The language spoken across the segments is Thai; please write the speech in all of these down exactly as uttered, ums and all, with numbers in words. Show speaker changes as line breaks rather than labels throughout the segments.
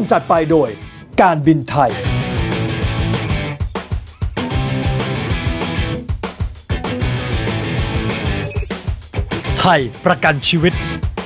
จัดไปโดยการบินไทยไทยประกันชีวิต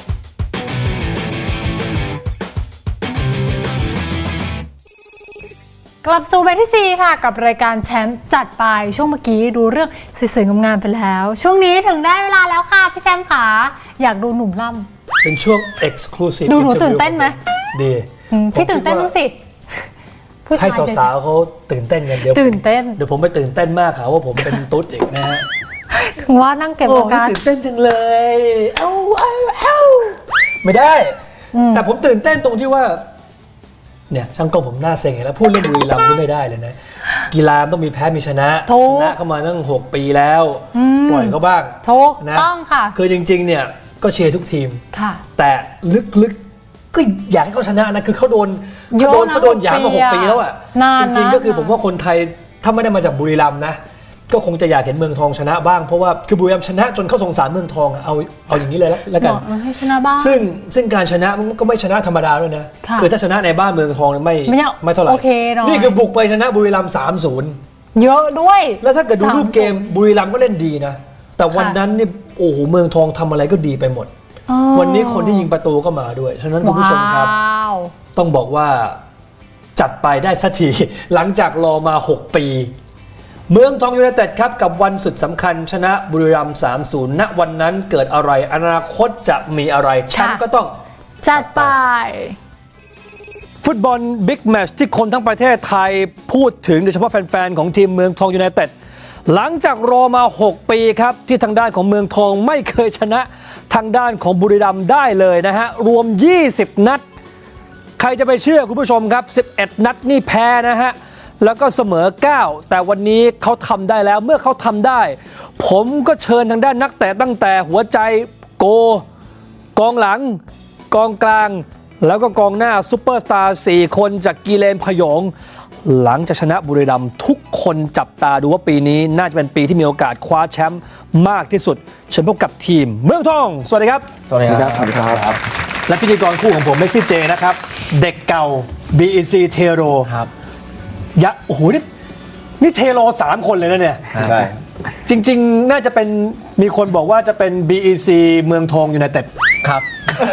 กลับสู่เบรกที่สี่ค่ะกับรายการแชมป์จัดไปช่วงเมื่อกี้ดูเรื่องสวยๆงามๆไปแล้ว ช่วงนี้ถึงได้เวลาแล้วค่ะพี่แชมป์ขาอยากดูหนุ่มล่ำ
เป็นช่วง Exclusive
ดูหนูตื่นเต้นไหม
ดี
พี่ตื่นเต้นมั้งสิ
ให้สาวๆเขาตื่นเต้นกันเดี๋ยว
ตื่นเต้น
เดี๋ยวผมไปตื่นเต้นมากค่ะว่าผมเป็นตุ๊ดอีกนะฮะ
ถึงว่านั่งเก็บอาการ
ตื่นเต้นจังเลยเอ้าเอ้าเอ้าไม่ได้แต่ผมตื่นเต้นตรงที่ว่าเนี่ยช่างกล้องผมหน้าเซ็งแล้วพูดเรื่องบุรีรัมย์นี่ไม่ได้เลยนะกีฬาต้องมีแพ้มีชนะชนะเข้ามาตั้งหกปีแล้วปล่อยเขาบ้าง
ถูกต้องค่ะ
คือจริงๆเนี่ยก็เชียร์ทุกทีมแต่ลึกๆก็อยากให้เขาชนะนะคือเขาโดนเขาโดนเขาโดนหยามมาหกปีแล้วอ่ะจริงๆก็คือผมว่าคนไทยถ้าไม่ได้มาจากบุรีรัมย์นะก็คงจะอยากเห็นเมืองทองชนะบ้างเพราะว่าคือบุรีรัมย์ชนะจนเขาสงสารเมืองทองเอาเอาอย่างนี้เลยแล้วกัน
ให้ชนะบ้าง
ซึ่งซึ่งการชนะมันก็ไม่ชนะธรรมดาด้วยนะคือถ้าชนะในบ้านเมืองทองไม่ไม่เท่าไหร่นี่คือบุกไปชนะบุรีรัมย์ สามศูนย์
เยอะด้วย
แล้วถ้าเกิดดูรูปเกมบุรีรัมย์ก็เล่นดีนะแต่วันนั้นนี่โอ้โหเมืองทองทำอะไรก็ดีไปหมดวันนี้คนที่ยิงประตูก็มาด้วยฉะนั้นคุณผู้ชมครับต้องบอกว่าจัดไปได้สักทีหลังจากรอมาหกปีเมืองทองยูไนเต็ดครับกับวันสุดสำคัญชนะบุรีรัมย์ สามศูนย์ ณวันนั้นเกิดอะไรอนาคตจะมีอะไรแชมป์ก็ต้อง
จัดไป
ฟุตบอลบิ๊กแมตช์ที่คนทั้งประเทศไทยพูดถึงโดยเฉพาะแฟนๆของทีมเมืองทองยูไนเต็ดหลังจากรอมาหกปีครับที่ทางด้านของเมืองทองไม่เคยชนะทางด้านของบุรีรัมย์ได้เลยนะฮะรวมยี่สิบนัดใครจะไปเชื่อคุณผู้ชมครับสิบเอ็ดนัดนี่แพ้นะฮะแล้วก็เสมอเก้าแต่วันนี้เขาทำได้แล้วเมื่อเขาทำได้ผมก็เชิญทางด้านนักเตะตั้งแต่หัวใจโกกองหลังกองกลางแล้วก็กองหน้าซุปเปอร์สตาร์สี่คนจากกีเลนพยองหลังจากชนะบุรีรัมย์ทุกคนจับตาดูว่าปีนี้น่าจะเป็นปีที่มีโอกาสคว้าแชมป์มากที่สุดเชิญพบกับทีมเมืองทองสวัสดีครับ
สวัสดีครับสวัสดีครับ
และพิธีกรคู่ของผมเมสซี่เจนะครับเด็กเก่า บี อี ซี เทโร
ครับ
ยะโอ้โหนี่นี่เทโรสามคนเลยนะเนี่ย
ใช่
จริงๆน่าจะเป็นมีคนบอกว่าจะเป็น บี อี ซี เมืองทองยูไนเต็ด
ครับ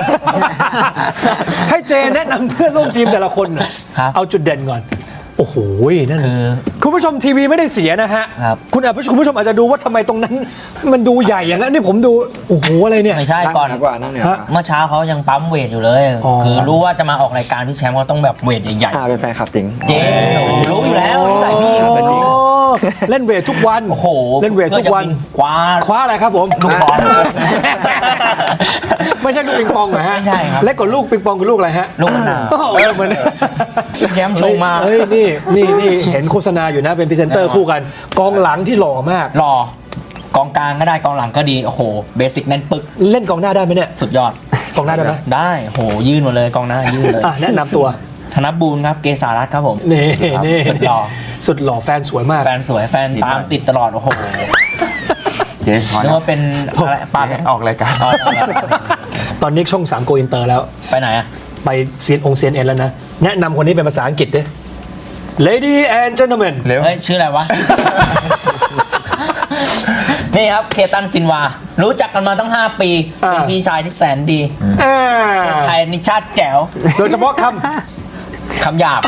ให้เจแนะนำเพื่อนร่วมทีมแต่ละคนเอาจุดเด่นก่อนโอ้โหนั่นคือคุณผู้ชมทีวีไม่ได้เสียนะฮะคุณอาจคุณผู้ชมอาจจะดูว่าทำไมตรงนั้นมันดูใหญ่อย่างนั้นนี่ผมดูโอ้โหอะไรเนี่ย
ไม่ใช่ก่อน
กว่านั่นเนี่ย
เมื่อเช้าเขายังปั๊มเวทอยู่เลยคือรู้ว่าจะมาออกรายการพี่แชมป์ก็ต้องแบบเวทใหญ่ๆ
อ่าเป็นแฟนคลับจริง
เจ๊รู้อยู่แล้วนิสัยพี่เป็นจริง
เล่นเวททุกวัน
โอ้โห
เล่นเวททุกวัน
คว้า
คว้าอะไรครับผม
ลูกบอล
ไม่ใช่ลูกปิงปองเหรอฮะ
ไม่ใช่ครับ
เล็กกว่าลูกปิงปองคือลูกอะไรฮะ
ลูกมะนาว
เออเหมือน
แชมป์ชงมา
เฮ้ยนี่นี่นี่เห็นโฆษณาอยู่นะเป็นพรีเซนเตอร์คู่กันกองหลังที่หล่อมาก
หล่อกองกลางก็ได้กองหลังก็ดีโอ้โหเบสิกแน่นปึก
เล่นกองหน้าได้ไหมเนี่ย
สุดยอด
กองหน้าได้ไหม
ได้โหยื่นหมดเลยกองหน้ายื่นเลย
แนะนำตัว
ธนบูรณ์ครับเกษารัตน์ครับผม
นี่นี่
สุดหล่อ
สุดหล่อแฟนสวยมาก
แฟนสวยแฟนตามติดตลอดโอ้โหเจ๊นึกว่าเป็นอะไรปา
ออกรายการ
ตอนนี้ช่องสามโกอินเตอร์แล้ว
ไปไหนอะ
ไปเซียนองเซียนเอ็นแล้วนะแนะนำคนนี้เป็นภาษาอังกฤษดิ Lady and Gentlemen
เฮ้ยชื่ออะไรวะ นี่ครับเคตันซินวารู้จักกันมาตั้งห้าปีเป็นพี่ชายที่แสนดีคนไทยนิชาติแจ๋ว
โดยเฉพาะค
ำคำหยาบ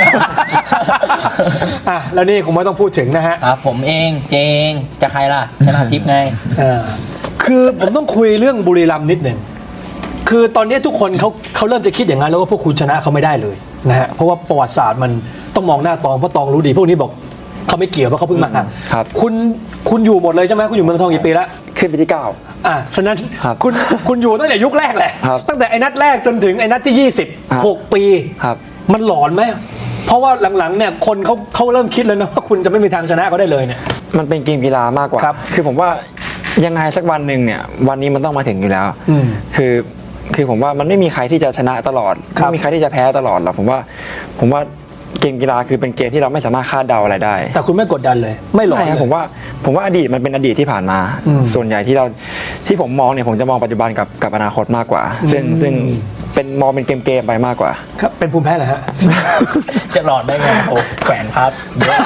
อ่ะแล้วนี่คงไม่ต้องพูดถึงนะฮะ
ครับผมเองเจงจะใครล่ะชนะทิพย์ไง
คือผมต้องคุยเรื่องบุรีรัมย์นิดหนึ่งคือตอนนี้ทุกคนเขาเขาเริ่มจะคิดอย่างนั้นแล้วว่าพวกคุณชนะเขาไม่ได้เลยนะฮะเพราะว่าประวัติศาสตร์มันต้องมองหน้าตองเพราะตองรู้ดีพวกนี้บอกเขาไม่เกี่ยวเพราะเขาเพิ่งมา
ครับ
คุณคุณอยู่หมดเลยใช่ไหมคุณอยู่เมืองทองกี่ปีแล้ว
ขึ้นปีที่เก้า
อ่ะฉะนั้นคุณคุณอยู่ตั้งแต่ยุคแรกแหละตั้งแต่ไอ้นัดแรกจนถึงไอ้นัดที่ยี่สิบหกปีมันหลอนไหมเพราะว่าหลังๆเนี่ยคนเขาเขาเริ่มคิดแล้วนะว่าคุณจะไม่มีทางชนะเขาได้เลยเนี่ย
มันเป็นเกมกีฬามากกว่าคือผมว่ายังไงสักวันหนึ่งเนี่ยวันนี้มันต้องมาถึงอยู่แล้วคือคือผมว่ามันไม่มีใครที่จะชนะตลอดไม่มีใครที่จะแพ้ตลอดหรอกผมว่าผมว่าเกมกีฬาคือเป็นเกมที่เราไม่สามารถคาดเดาอะไรได้
แต่คุณไม่กดดันเลยไม่หลอนเลย
ผมว่าผมว่าอดีตมันเป็นอดีตที่ผ่านมาส่วนใหญ่ที่เราที่ผมมองเนี่ยผมจะมองปัจจุบันกับกับอนาคตมากกว่าซึ่งซึ่งเป็นมองเป็นเกมๆไปมากกว่า
ครับเป็นภูมิแพ้เหรอฮะ
จะหลอดได้ไงโอ้แขวนพับเยอะ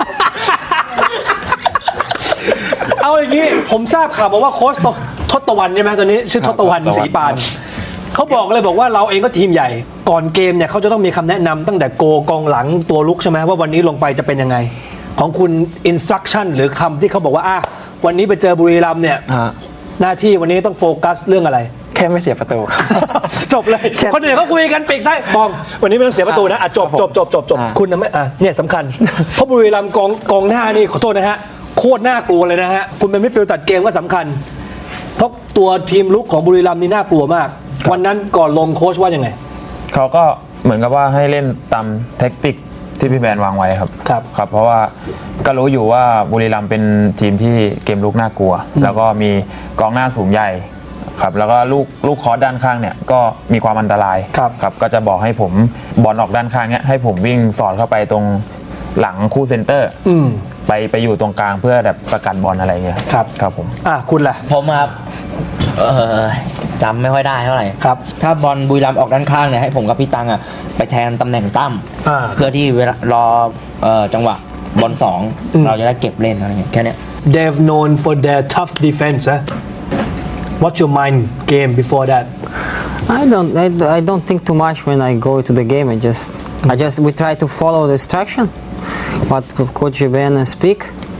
เอาอย่างนี้ผมทราบข่าวมาว่าโค้ชทศตวรรณใช่ไหมตอนนี้ชื่อทศตวรรณ
ครับ
ศรีปานเขาบอกเลยบอกว่าเราเองก็ทีมใหญ่ก่อนเกมเนี่ยเขาจะต้องมีคำแนะนำตั้งแต่โกกองหลังตัวลุกใช่ไหมว่าวันนี้ลงไปจะเป็นยังไง ของคุณ instruction หรือคำที่เขาบอกว่าอ่ะวันนี้ไปเจอบุรีรัมย์เนี่ย
ฮะ
หน้าที่วันนี้ต้องโฟกัสเรื่องอะไร
แค่ไม่เสียประตูครับ
จบเลย คนอื่นเขาคุยกันปีกซ้ายบองวันนี้ไม่ต้องเสียประตูนะอ่ะจบจบจบจบจบ
อ่า
คุณนะไม่อ่ะเนี่ยสำคัญ เพราะบุรีรัมย์กองกองหน้านี่ขอโทษนะฮะโคตรน่ากลัวเลยนะฮะคุณเป็นมิดฟิลด์ตัดเกมก็สำคัญ เพราะตัวทีมลุกของบุรีรัมย์นี่น่ากลัวมาก วันนั้นก่อนลงโค้ชว่ายังไง
เขาก็เหมือนกับว่าให้เล่นตามแท็กติกที่พี่แบนวางไว้ครับ
ครับ
ครับ เพราะว่าก็รู้อยู่ว่าบุรีรัมย์เป็นทีมที่เกมลุกน่ากลัว แล้วก็มีกองหน้าสูงใหญ่ครับแล้วก็ลูกลูกคอร์สด้านข้างเนี่ยก็มีความอันตราย
ครับ
ครับก็จะบอกให้ผมบอลออกด้านข้างเนี่ยให้ผมวิ่งสอดเข้าไปตรงหลังคู่เซนเตอร์
อืม
ไปไปอยู่ตรงกลางเพื่อแบบสกัดบอลอะไรเงี้ย
ครับ
ครับผม
อ่ะคุณล่ะ
ผมครับเออจำไม่ค่อยได้เท่าไหร่
ครับ
ถ้าบอลบุรีรัมย์ออกด้านข้างเนี่ยให้ผมกับพี่ตังอ่ะไปแทนตำแหน่งตั้ม
อ่า
เพื่อที่เวลารอเอ่อจังหวะบอลสองเราจะได้เก็บเล่นอะไรอย่างเงี้ยแค่เนี้ย
they've known for their tough defense huh? What's your mind game before that
I don't I, I don't think too much when I go to the game. I just I just we try to follow the instruction what Co- Coach Ben speak.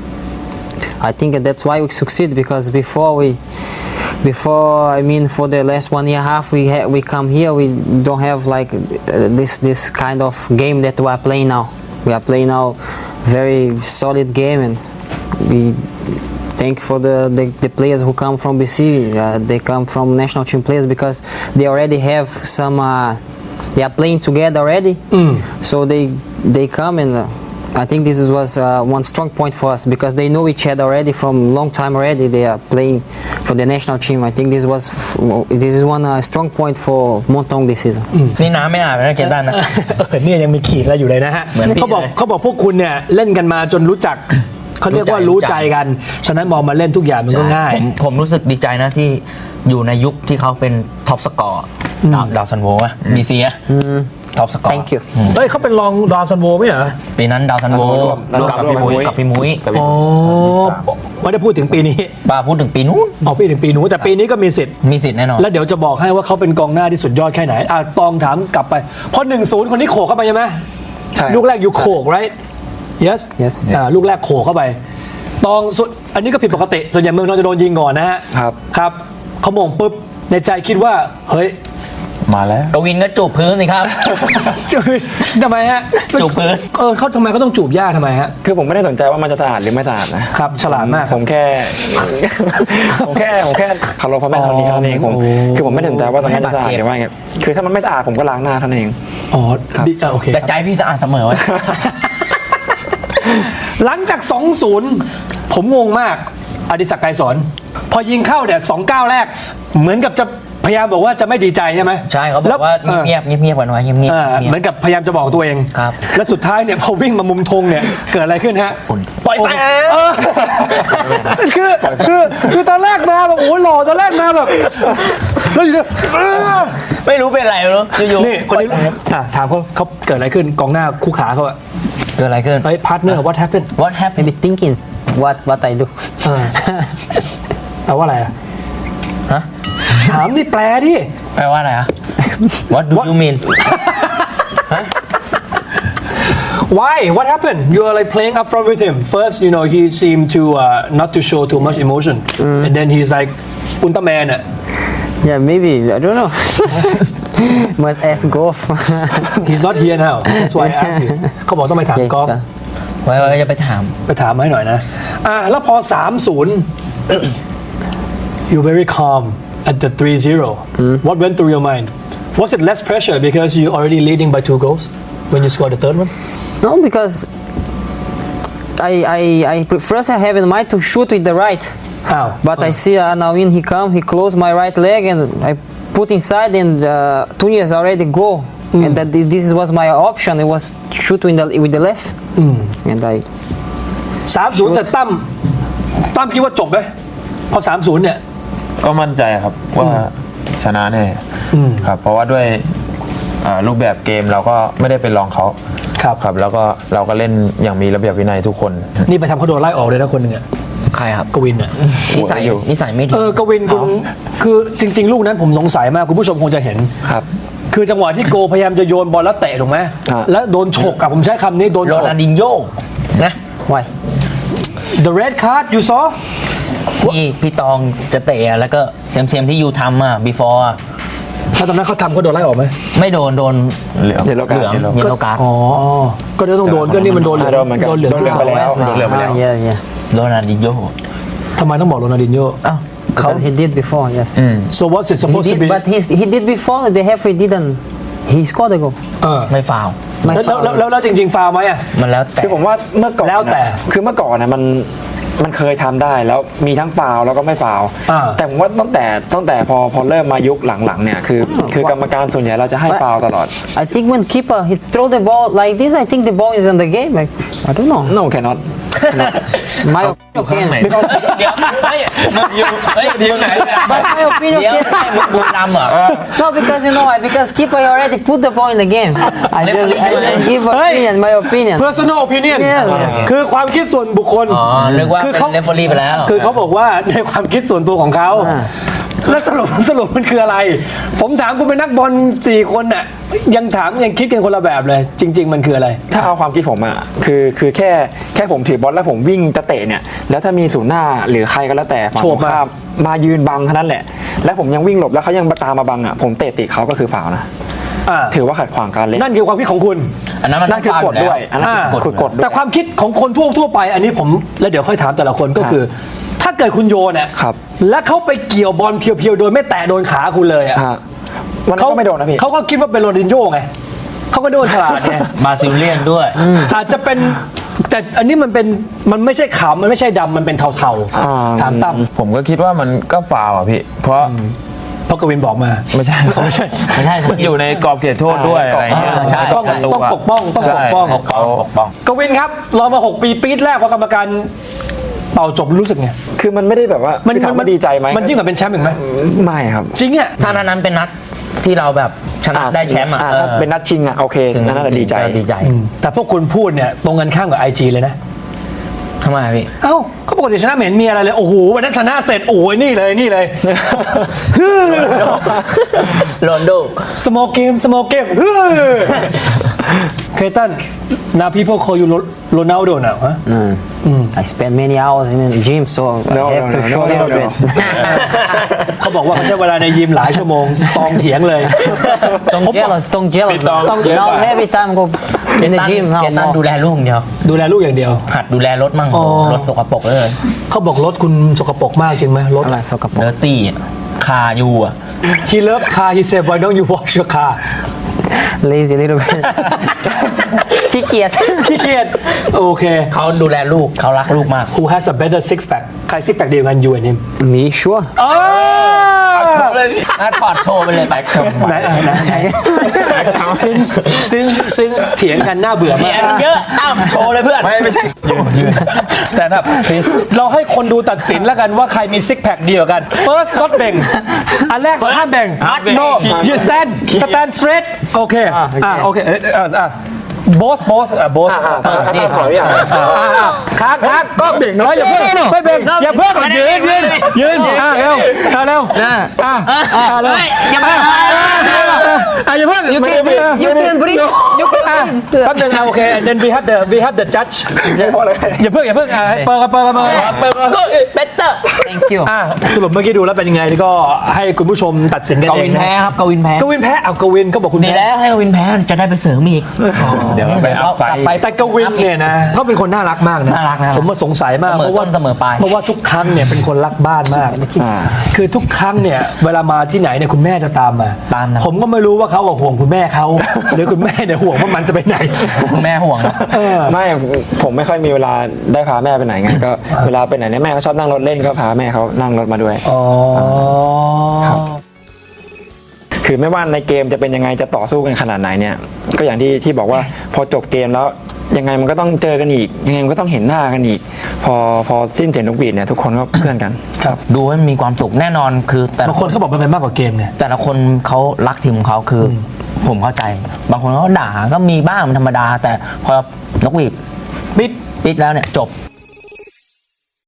I think that's why we succeed because before we before I mean for the last one year and a half we ha- we come here we don't have like uh, this this kind of game that we are playing now. We are playing now very solid game and we thank for the, the, the players who come from B C. Uh, they come from national team players because they already have some. Uh, they are playing together already, so they they come and. Uh, I think this is, was uh, one strong point for us because they know each other already from long time already. They are playing for the national team. I think this was f- this is one uh, strong point for Montong this season.
นี่น้ำไม่อาบนะเกตันนะ
เออเนี่ยยังมีขีดอะไรอยู่เลยนะฮะ
เหมือนพี่
เขาบอก
เลย
เขาบอกพวกคุณเนี่ยเล่นกันมาจนรู้จัก เขาเรียกว่า
รู้
รู้
ใจ
ใจกัน ฉะนั้นมองมาเล่นทุกอย่างมันก็ง่าย
ผมผมรู้สึกดีใจนะที่อยู่ในยุคที่เขาเป็นท็อปสกอร์ดาวดาวซันโวอะบีซีอะท็อปสกอร์
Thank you.
เฮ้ยเขาเป็นรองดาวซันโวไม่เหรอ
ปีนั้นดาวซันโว
ดาวซันโว
กับพี่มุ้ยกับพี่มุ้ย
อ๋อไม่ได้พูดถึงปีนี้
บ้าพูดถึงปีนู้น
เอาปีถึงปีนู้นแต่ปีนี้ก็มีสิทธิ์
มีสิทธิ์แน่นอน
แล้วเดี๋ยวจะบอกให้ว่าเขาเป็นกองหน้าที่สุดยอดแค่ไหนอ่ะตองถามกลับไปพอหนึ่งศูนย์คนนี้โขกเข้าไปใช่ไหม
ใช่
ลูกแรกอยู่โขก right yes
Yes
อ่าลูกแรกโขกเข้าไปตองสุดอันนี้ก็ผิดปกติส่วนใหญ่เมืองทองจะโดนยิงก่อนนะฮะ
ครับ
ครับเขาโมงปุ๊บในใจคิดว่าเฮ้ย
มาแล้ว
กวินก็จูบพื้นสิครับ
จูบทำไมฮะ
จูบพื้น
เออเขาทำไมเขาต้องจูบหญ้าทำไมฮะ
คือผมไม่ได้สนใจว่ามันจะสะอาดหรือไม่สะอาดนะครับ
ฉลาดมาก
ผมแค่ ผมแค่ผมแค่เคารพพ่อแม่เท่านี้เท่านั้นเองผม
โอ้
คือผมไม่ได้สนใจว่าตรงนั้นจะสะอาดหรือว่าไงคือถ้ามันไม่สะอาดผมก็ล้างหน้าเท่านั้นเอง
อ๋อดีอ่ะโอเค
แต่ใจพี่สะอาดเสมอวะ
หลังจาก สองศูนย์ ผมงงมากอดิศักดิ์ไกรสอนพอยิงเข้าเนี่ยสองก้าวแรก เหมือนกับจะพยายามบอกว่าจะไม่ดีใจใช่ไหม
ใช่เขาบอกว่า
แล้ว
เงียบๆเงียบๆกันไว้เงียบๆเงียบ
เออเหมือนกับพยายามจะบอกตัวเอง
ครับ
และสุดท้ายเนี่ยพอวิ่งมามุมธงเนี่ยเกิดอะไรขึ้นฮะ
ปล่อยแสง
เออคือคือคือตอนแรกมาแบบโอ้โหหล่อตอนแรกมาแบบแล้วอยู่เนี่ยเออ
ไม่รู้เป็นอะไรไม่รู้อยู่ๆ
นี่คนนี้อ่ะถามเขาเขาเกิดอะไรขึ้นกองหน้าคู่ขาเขาอะ
เกิดอะไรขึ้น
เฮ้ยพาร์ทเนอร์ what happened
What happened
Maybe thinking what what I do.
เออแปลว่าอะไรอะ
ฮะ
ถามนี่แปลดิ
แปลว่าอะไรอะ What do
What?
you mean
Why? What happened? You are like playing up front with him. First, you know, he seemed to uh, not to show too much emotion, and then he's like Ultraman.
Yeah, maybe I don't know. Must ask golf.
He's not here now. That's why I asked you. เขาบอกต้องไปถาม
Yeah,
กอล์ฟ
yeah.
ไว้ไว้จะไปถาม
ไปถามมาให้หน่อยนะ อ่าแล้วพอ สามศูนย์ you're very calm at the three zero. What went through your mind? Was it less pressure because you already leading by two goals when you scored the third one?
No, because I I I first I have in mind to shoot with the right.
อ้าว
But I see uh, now when he come, he close my right leg and I put inside and uh, Tunis already go. And that thi- this was my option. It was shoot with the with the left. And I
สามศูนย์แต่ตั้มตั้มคิดว่าจบไหมพอ สามศูนย์ เนี่ย
ก็มั่นใจครับว่าชนะแน่ครับเพราะว่าด้วยเอ่อรูปแบบเกมเราก็ไม่ได้เป็นรองเขา
ครับ
ครับแล้วก็เราก็เล่นอย่างมีระเบียบวินัยทุกคน
นี่ไปทำเขาโดนไล่ออกเลยนะคนหนึ่งอะ
ใครครับ
กวินอะ
นิสัย
อยู่
นิสัยไม่ดี
เออกวินคุณคือจริง ๆ ลูกนั้นผมสงสัยมากคุณผู้ชมคงจะเห็น
ครับ
คือจังหวะที่โกพยายามจะโยนบอลแล้วเตะถูกไหม
ฮะ
แล้วโดนฉกอะผมใช้คำนี้โดน
โร
ฉก
นัลดินโญ่นะ
Why?
the red card you saw
ที่พี่ตองจะเตะอะแล้วก็เซมเซมที่ยูทำอ่ะ before อะ
แล้วตอนนั้นเขาทำเขาโดนไล่ออกไหม
ไม่โดนโดน
เหลือง
เดี๋ยวเรา
เหลือง
การ
เยลโลการ์ด
อ๋อก็เดี๋ยวต้องโดนก็นี่มันโดนเหลือง
โดนเหมือนกัน
โดนเหลือง
โดนเหลืองไปแล้ว
West now.
โดนเหลืองไปแล้ว
Ah, yeah, yeah.
โรนัลดินโญ่
ทำไมต้องบอกโรนัลดินโญ่
อ้าวเขา
Because he did before, yes.
so what's it
He
supposed to
did,
be
but he, he did before. The referee didn't. He scored a goal.
เออ
ไม่ฟาวล์
My
แล้วแล้ว
foul.
แล้วแล้วจริง ๆ ฟาวไหมอะ
มันแล้วแต่
คือผมว่าเมื่อก่อน
แล้วแต่
นะคือเมื่อก่อนนะมันมันเคยทำได้แล้วมีทั้งฟาวล์แล้วก็ไม่ฟาวล์
อ่า
แต่ผมว่าตั้งแต่ตั้งแต่พอพอเริ่มมายุคหลังๆเนี่ยคือคือกรรมการส่วนใหญ่เราจะให้ฟาวล์ตลอด
I think when keeper he throw the ball like this, I think the ball is in the game. Like, I don't know.
no cannot
My
อยู่ข้าง
opinion.
ไหน
เดี๋ยวเฮ้ยมึงอยู่เฮ้ยเดี๋ยวไหนเนี่ย
But my opinion.
เดี๋ยว
can-
ให้มึงบุรีรัมย์เหรอ
No, because you know why? Because keeper already put the ball in the game. I just, I just give opinion, my opinion.
personal opinion
Yes.
คือความคิดส่วนบุคคล
อ๋อนึกว่า
คือ
เป็น
เขา
เรฟเฟอรี่ไปแล้ว
คือเขาบอกว่าในความคิดส่วนตัวของเขา
อ่า
แล้วสรุปสรุปมันคืออะไร ผมถามคุณเป็นนักบอลสี่คนน่ะยังถามยังคิดกันคนละแบบเลย จริง ๆ มันคืออะไร
ถ้าเอาความคิดผมอ่ะคือคือแค่แค่ผมถือบอลแล้วผมวิ่งจะเตะเนี่ยแล้วถ้ามีศูนย์หน้าหรือใครก็แล้วแต่ฝั่ง
โฉ
ต
บ
รง
มา
ข้ามมายืนบังเท่านั้นแหละ แล้วผมยังวิ่งหลบแล้วเขายังตามมาบังอ่ะผมเตะติดเขาก็คือฟาวล์นะ
อ่า
ถือว่าขัดขวางการเล่น
นั่นคือความคิดของคุณ
อันนั้นมัน
นั่นคือกฎ
ฟาวล์
ด้วยอันนั้น
อ่า
คือกฎด้วย
แต่ความคิดของคนทั่วทั่วไป อันนี้ผมแล้วเดี๋ยวค่อยถามแต่ละคนก็คือ ถ้าเกิดคุณโยนเนี่ย
ครับ
แล้วเขาไปเกี่ยวบอลเพียวๆโดยไม่แตะโดนขาคุณเลยอ่ะ
ฮะวันนั้นก็ไม่โดนนะพี่
เขาก็คิดว่าเป็นโรนัลดินโญ่ไงเขาก็โดนฉลาดไง
บราซิลเลียนด้วย
อาจจะเป็นแต่อันนี้มันเป็นมันไม่ใช่ขาวมันไม่ใช่ดำมันเป็นเทา
อ่า
ๆถามตั้ม
ผมก็คิดว่ามันก็ฟาวล์อ่ะพี่ เพราะ
เพราะกวินบอกมา
ไม่ใช่ไม่ใช่
ไม่ใช่
อยู่ในกรอบเขตโทษด้วยอะไรเงี้ย
อ่าใช่
ต้อง
ประตู
ต้อง
ะ
ปกป้องต้อง
ใช่
ปกป้อง
เขา
ปกป้อง
กวินครับรอมาหกปีปีดแรกพอกรรมการเป่าจบรู้สึกไง
คือมันไม่ได้แบบว่า
มัน
คือถามว่าดีใจไหม
มันยิ่งกว่าเป็นแชมป์อีกไหม
ไม่ครับ
จริงอ่ะ
ถ้านัดนั้นเป็นนัดที่เราแบบชนะได้แชมป์อ่ะ
อ่า
เออ
ถ้าเป็นนัดชิงอ่ะโอเค
ถึง
นั่นน่ะดีใจ
ดีใจ
แต่พวกคุณพูดเนี่ยตรงกันข้ามกับ ไอ จี เลยนะ
ทำไมอะพี่
เอ้าก็ปกติชนะไม่เห็นมีอะไรเลย โอ้โหวันนั้นชนะเสร็จโอ้ยนี่เลยนี่เลย
โรนลโด
small game small game เคตัน now people call you Ronaldo now ฮะ
I spend many hours in the gym, so
No,
I have
no,
to
no,
show
no,
a little
no,
bit.
เขาบอกว่าเขาใช้เวลาในยิมหลายชั่วโมงตองเถียงเลย
Don't jealous, don't jealous.
Don't
man.
jealous.
Now every time go in the gym
เก
now
ตันดู
more.
แลลูกอย่างเดียว
ดูแลลูกอย่างเดียว
หัดดูแลรถมั่ง
อ๋อ
รถสกปรกเลย
เขาบอกรถคุณสกปรกมากจริงไหมรถ
อะไรสกปร
เด
ก
อร์ตี้คาอยู่อ่ะ
He loves car he said why don't you wash your car
lazy little bit ขี้เกียจ
ขี้เกียจโอเค
เขาดูแลลูกเขารักลูกมาก
Who has a better six pack ใคร six pack ดีกว่ากัน you and him
me sure
อ๋อ
น่าถอดโชว์ไปเลยไป
ไหนอ่ะไหนไหน since since since เถียงกันน่าเบื่อ
เสี
มาย
มัน
ก
เยอะอ้าวโชว์เลยเพื่อน
ไม่ไม่ใช่
stand up please เราให้คนดูตัดสินแล้วกันว่าใครมี six pack ดีกว่ากัน first not แบ่งอันแรกห้ามแบ่ง no you stand stand straight โอเคอ่าโอเคเอ่อเอ่ออ่ะ both both อ่ะ both
อ่าอ่าอ่าขออนุญาต
ค้างค้างก็เบ่งนะอย่าเพิ่งไม่เบ่งอย่าเพิ่งยืนยืนยืนอ่ะเร็วอ่ะเร็วอ่ะอ่ะเร็วอย่าเพิ่งอ่ะอย่าเพิ่ง
you
ไม่
can
ไม่
you can breathe you
อ่ะ
can breathe
แป๊บนึงอ่ะโอเค then we have the we have the judge อย่าเพิ่งอย่าเพิ่งอ่ะให้เปิดกันเปิดกันเปิดกัน
เปิดเบเตอร์
thank you
อ่ะสรุปเมื่อกี้ดูแล้วเป็นยังไงนี่ก็ให้คุณผู้ชมตัดสินกัน
ก
เอ
วิ
ง
น
นะ
แพ้ครับกวินแพ้
กวินแพ้เอากวินก็บอกคุณ
ดี
แพ้
แล้วให้กวินแพ้จะได้ไปเสริมอีก
เดี๋ยวเราไปอัพไซด์
ไป
แต่กวินเนี่ยนะเขาเป็นคนน่ารักมากนะ
น่ารักนะ
ผมมาสงสัยมาก
เสมอ
เพราะว่า
ต้นเสมอปลาย
เพราะว่าทุกครั้งเนี่ยเป็นคนรักบ้านมาก
อ่า
คือทุกครั้งเนี่ยเวลามาที่ไหนเนี่ยคุณแม่จะตามมา
ตามนะ
ผมก็ไม่รู้ว่าเขาอะห่วงคุณแม่เขา หรือคุณแม่เนี่ยห่วงว่ามันจะไปไหน
คุณแม่ห่วงนะ
เออ
ไม่ผมไม่ค่อยมีเวลาได้พาแม่ไปไหนไงก็เวลาไปไหนเนี่ยแม่เขาชอบนั่งรถเล่นก็พาแม่เขานั่งรถมาด้วย
อ๋อ
ครับ คือไม่ว่าในเกมจะเป็นยังไงจะต่อสู้กันขนาดไหนเนี่ย ก็อย่างที่ที่บอกว่าพอจบเกมแล้วยังไงมันก็ต้องเจอกันอีกยังไงมันก็ต้องเห็นหน้ากันอีก พอพอสิ้นเสียงนกหวีดเนี่ยทุกคนก็ เพื่อนกัน
ครับ
ดูให้มีความสุขแน่นอนคือแต่ละ
บางคนเขาบอกมันเป็นมากกว่าเกมไง
แต่ละคนเขารักทีมของเขาคืออผมเข้าใจ บางคนเขาด่าก็มีบ้างมันธรรมดา แต่พอนกหวีด
ปิด
ปิดแล้วเนี่ยจบ